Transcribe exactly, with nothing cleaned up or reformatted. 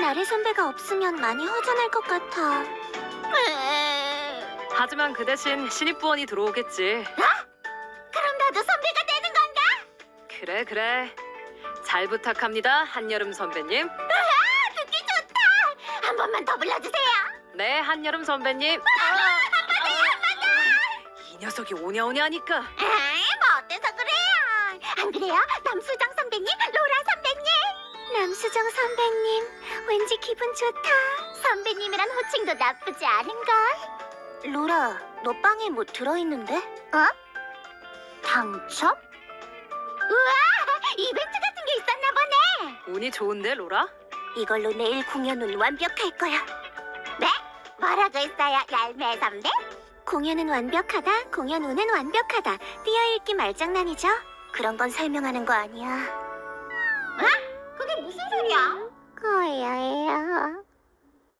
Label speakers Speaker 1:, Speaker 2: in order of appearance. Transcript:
Speaker 1: 나래 선배가 없으면 많이 허전할 것 같아.
Speaker 2: 하지만 그 대신 신입부원이 들어오겠지.
Speaker 1: 그럼 나도 선배가 되는 건가?
Speaker 2: 그래 그래. 잘 부탁합니다, 한여름 선배님.
Speaker 1: 듣기 좋다. 한 번만 더 불러주세요.
Speaker 2: 네, 한여름 선배님. 이 녀석이 오냐오냐 하니까.
Speaker 1: 에이, 뭐 어때서 그래요? 안 그래요? 남수정 선배님, 로라 선배님. 남수정 선배님, 왠지 기분 좋다. 선배님이란 호칭도 나쁘지 않은걸. 로라, 너 빵에 뭐 들어있는데? 어? 당첨? 우와, 이벤트 같은 게 있었나 보네.
Speaker 2: 운이 좋은데, 로라?
Speaker 1: 이걸로 내일 공연은 완벽할 거야. 네? 뭐라고 했어요, 얄매 선배? 공연은 완벽하다, 공연 운은 완벽하다. 띄어읽기 말장난이죠? 그런 건 설명하는 거 아니야. 어? 그게 무슨 소리야? 거예요.